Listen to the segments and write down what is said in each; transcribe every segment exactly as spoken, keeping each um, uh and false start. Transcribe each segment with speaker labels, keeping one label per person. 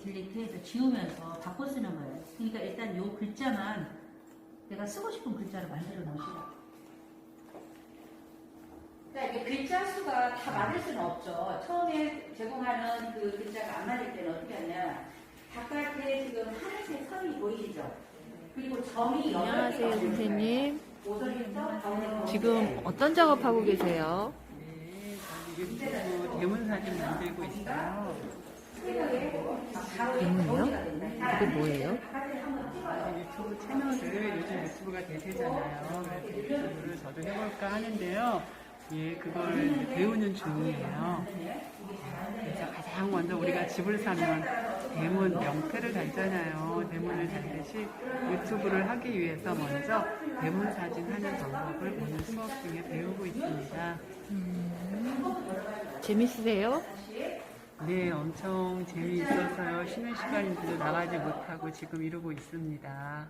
Speaker 1: 딜리트해서 지우면서 바꿔 쓰는 거예요. 그러니까 일단 요 글자만 내가 쓰고 싶은 글자를 만들어 놓으시라. 그러니까 이게 글자 수가 다 맞을 수는 없죠. 처음에 제공하는 그 글자가 안 맞을 때는 어떻게 하냐. 바깥에 지금 하늘색 선이 보이시죠? 그리고 점이
Speaker 2: 안녕하세요, 선생님.
Speaker 1: 오선부터
Speaker 2: 지금 어떤 작업하고 계세요?
Speaker 3: 네, 저기 유튜브 대문 사진 만들고 있어요.
Speaker 2: 대문이요? 그게 뭐예요?
Speaker 3: 유튜브 채널을 요즘 유튜브가 대세잖아요. 그래서 유튜브를 저도 해볼까 하는데요. 예, 그걸 배우는 중이에요. 그래서 가장 먼저 우리가 집을 사면 대문 명패를 달잖아요. 대문을 달듯이 유튜브를 하기 위해서 먼저 대문 사진 하는 방법을 오늘 수업 중에 배우고 있습니다.
Speaker 2: 재밌으세요?
Speaker 3: 네, 엄청 재미있어서요. 쉬는 시간인데도 나가지 못하고 지금 이러고 있습니다.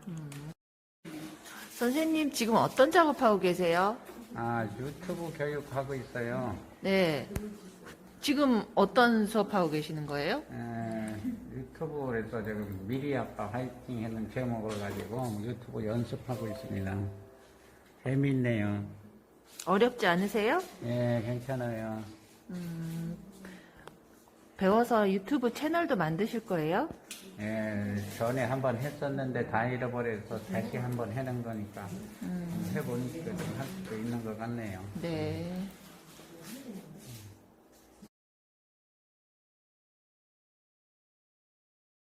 Speaker 2: 선생님, 지금 어떤 작업하고 계세요?
Speaker 4: 아, 유튜브 교육하고 있어요.
Speaker 2: 네. 지금 어떤 수업하고 계시는 거예요?
Speaker 4: 에, 유튜브에서 지금 미리 아빠 화이팅 하는 제목을 가지고 유튜브 연습하고 있습니다. 재밌네요.
Speaker 2: 어렵지 않으세요?
Speaker 4: 예, 괜찮아요.
Speaker 2: 배워서 유튜브 채널도 만드실 거예요?
Speaker 4: 예, 전에 한번 했었는데 다 잃어버려서 다시 한번 해는 거니까 해보니까 좀 할 수도 있는 것 같네요.
Speaker 2: 네.